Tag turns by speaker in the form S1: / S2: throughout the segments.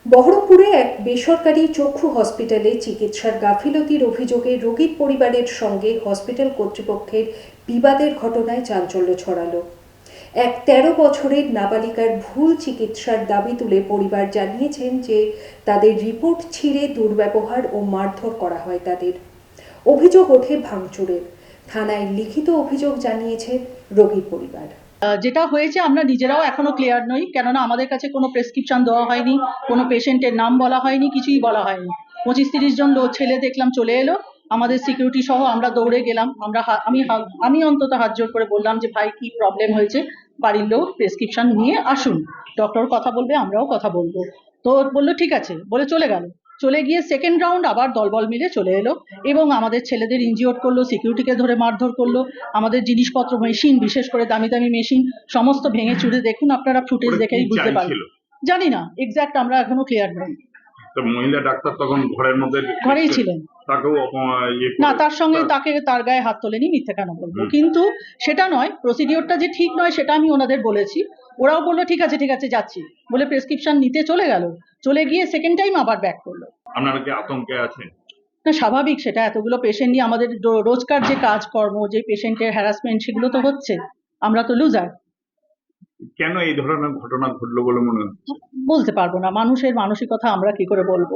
S1: বহরমপুরে এক বেসরকারি চক্ষু হসপিটালে চিকিৎসার গাফিলতির অভিযোগে রোগীর পরিবারের সঙ্গে হসপিটাল কর্তৃপক্ষের বিবাদের ঘটনায় চাঞ্চল্য ছড়ালো। এক ১৩ বছরের নাবালিকার ভুল চিকিৎসার দাবি তুলে পরিবার জানিয়েছেন যে তাদের রিপোর্ট ছিঁড়ে দুর্ব্যবহার ও মারধর করা হয় তাদের। অভিযোগ ওঠে ভাঙচুরের। থানায় লিখিত অভিযোগ জানিয়েছেন রোগীর পরিবার।
S2: যেটা হয়েছে আমরা নিজেরাও এখনো ক্লিয়ার নই, কেননা আমাদের কাছে কোনো প্রেসক্রিপশন দেওয়া হয়নি, কোনো পেশেন্টের নাম বলা হয়নি, কিছুই বলা হয়নি। ২৫-৩০ জন ছেলে দেখলাম চলে এলো, আমাদের সিকিউরিটি সহ আমরা দৌড়ে গেলাম। আমি অন্তত হাত জোর করে বললাম যে ভাই কি প্রবলেম হয়েছে, বাড়ির লোক প্রেসক্রিপশন নিয়ে আসুন, ডক্টর কথা বলবে, আমরাও কথা বলবো। তো বললো ঠিক আছে, বলে চলে গেল। চলে গিয়ে সেকেন্ড রাউন্ড আবার দলবল মিলে চলে এলো এবং আমাদের ছেলেদের ইনজিওর করলো, সিকিউরিটিকে ধরে মারধর করলো, আমাদের জিনিসপত্র, মেশিন, বিশেষ করে দামি দামি মেশিন সমস্ত ভেঙে চুরে, দেখুন আপনারা ফুটেজ দেখেই বুঝতে পারবেন। জানি না এক্স্যাক্ট, আমরা এখনো ক্লিয়ার নই।
S3: তো মহিলা ডাক্তার তখন ঘরেই
S2: ছিলেন,
S3: তাকেও
S2: না তার সঙ্গে তার গায়ে হাত তোলেনি, মিথ্যে কেন বলবো। কিন্তু সেটা নয়, প্রসিডিওরটা যে ঠিক নয় সেটা আমি ওনাদের বলেছি। ওরাও বললো ঠিক আছে যাচ্ছি বলে প্রেসক্রিপশন নিতে চলে গেল। চলে গিয়ে সেকেন্ড টাইম আবার ব্যাক করলো।
S3: আপনারা কি আতঙ্কে আছেন?
S2: না, স্বাভাবিক, সেটা এতগুলো পেশেন্ট নিয়ে আমাদের রোজকার যে কাজকর্ম, যে পেশেন্টের হ্যারাসমেন্ট, সেগুলো তো হচ্ছে, আমরা তো লুজার।
S3: কেন এই ধরনের ঘটনা ঘটলো বলে মনে হচ্ছে?
S2: বলতে পারবো না, মানুষের মানসিকতা আমরা কি করে বলবো।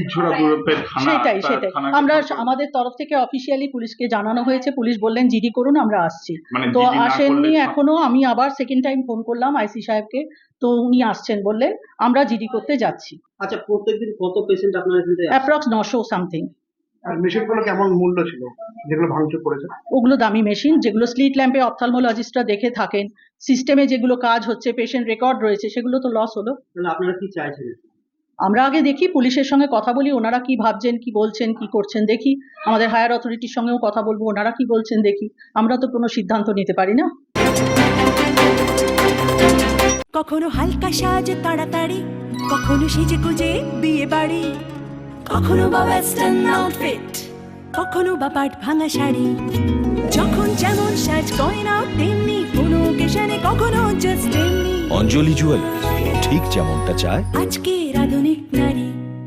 S2: সেটাই আমরা আমাদের তরফ থেকে অফিসিয়ালি পুলিশকে জানানো হয়েছে, পুলিশ বললেন জিডি করুন, আমরা আসছি। তো আসেননি এখনো। আমি আবার সেকেন্ড টাইম ফোন করলাম আইসি সাহেবকে, তো উনি আসছেন বললেন, আমরা জিডি করতে যাচ্ছি।
S4: আচ্ছা, প্রত্যেকদিন কত পেশেন্ট আপনার এখানে?
S2: Approx 900 something.
S5: আর মেশিনগুলো কেমন মূল্য ছিল যেগুলো ভাঙচুর করেছে?
S2: ওগুলো দামি মেশিন, যেগুলো স্লিট ল্যাম্পে অপথলমোলজিস্টরা দেখে থাকেন, সিস্টেমে যেগুলো কাজ হচ্ছে, পেশেন্ট রেকর্ড রয়েছে, সেগুলো তো লস হলো।
S4: তাহলে আপনারা কি চাইছেন?
S2: আমরা আগে দেখি, পুলিশের সঙ্গে কথা বলি, ওনারা কি ভাবছেন, কি বলছেন, কি করছেন দেখি। আমাদের হায়ার অথরিটির সঙ্গেও কথা বলবো, ওনারা কি বলছেন দেখি। আমরা তো কোনো সিদ্ধান্ত নিতে পারি না।
S6: কখনো হালকা সাজে তাড়াতাড়ি, কখনো সেজে গুজে বিয়ে বাড়ি, কখনো বা ওয়েস্টার্ন আউটফিট, কখনো বা পাট ভাঙা শাড়ি। যখন যেমন সাজ গয়না তেমনি, কোনো অকেশনে কখনো জাস্ট তেমনি।
S7: অঞ্জলি জুয়েলার্স, ঠিক যেমনটা চায়
S6: আজকে